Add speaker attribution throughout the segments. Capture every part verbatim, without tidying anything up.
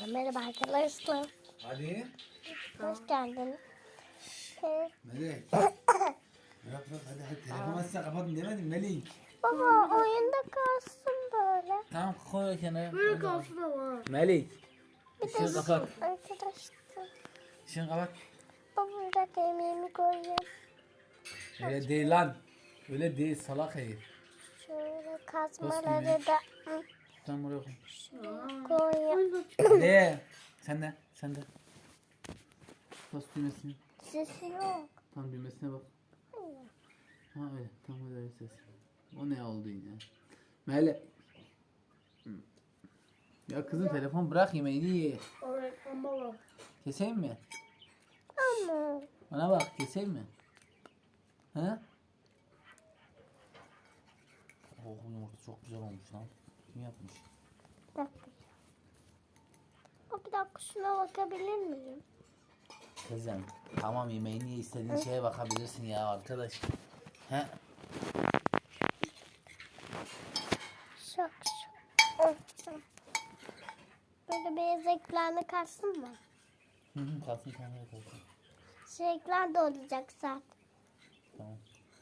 Speaker 1: Merhaba arkadaşlar.
Speaker 2: Hadi.
Speaker 1: Hoş geldin. Ee,
Speaker 2: Melek. Bırak bırak hadi hadi. Telefonu açsa kapatın demedim Melek.
Speaker 1: Baba oyunda kalsın böyle.
Speaker 2: Tamam koy kenara.
Speaker 3: Böyle kalsın ama.
Speaker 2: Melek.
Speaker 1: Bir
Speaker 2: Işığı
Speaker 1: de
Speaker 2: kapat.
Speaker 1: arkadaşlar.
Speaker 2: Işığı kapat.
Speaker 1: Baba bir dakika yemeğimi koyayım.
Speaker 2: Öyle değil lan. Öyle değil salak herif.
Speaker 1: Şöyle
Speaker 2: Nasıl
Speaker 1: kazmaları
Speaker 2: yemek?
Speaker 1: da hı,
Speaker 2: Sen buraya koy.
Speaker 1: koyayım.
Speaker 2: Hadi. Sen de. Sen de. Bas düğmesini.
Speaker 1: Sesi yok.
Speaker 2: Tam düğmesine bak. Ha öyle. Tam öyle ses. O ne oldu yine? Melek. Ya kızım telefon bırak yemeğini ye.
Speaker 3: Öğretmen baba.
Speaker 2: Keseyim mi?
Speaker 1: Ama
Speaker 2: Bana bak keseyim mi? He? Oh yumurta çok güzel olmuş lan. Kim yapmış?
Speaker 1: bir dakika. O bir dakika şuna bakabilir miyim?
Speaker 2: Kızım tamam yemeğini ye istediğin şeye bakabilirsin ya arkadaş. He?
Speaker 1: Şok şok. Hı, hı. Böyle beyaz ekranı kalsın mı?
Speaker 2: Hı hı kalsın kameraya kalsın.
Speaker 1: Şu ekran da olacak zaten.
Speaker 2: Tamam.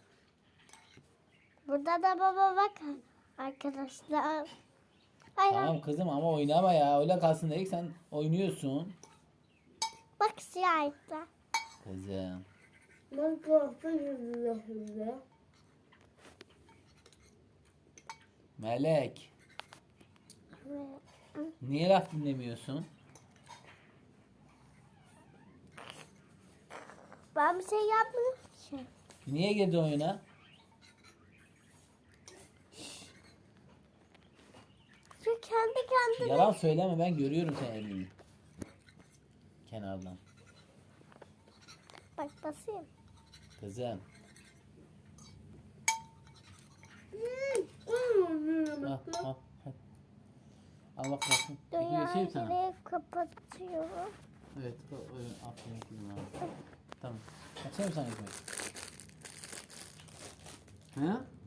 Speaker 1: Burada da baba bakın arkadaşlar. Ay,
Speaker 2: Tamam kızım ama oynama ya öyle kalsın dedik sen oynuyorsun.
Speaker 1: bak siyah ekran.
Speaker 2: Kızım.
Speaker 3: Ben kalsın yüzüne.
Speaker 2: Melek. Niye laf dinlemiyorsun?
Speaker 1: Ben bir şey yapmadım ki.
Speaker 2: Niye girdi oyuna?
Speaker 1: Şu kendi kendine.
Speaker 2: Yalan söyleme ben görüyorum sen elini. Kenardan.
Speaker 1: Bak basayım.
Speaker 2: Kızım.
Speaker 3: Hmm.
Speaker 2: Al al. Hadi. Al bak bakın. Bir
Speaker 1: Dünyayı
Speaker 2: geçeyim sana.
Speaker 1: direkt kapatıyorum.
Speaker 2: Evet. o- Öyle aferin kızım abi. Tamam. Açayım sana ekmek. He?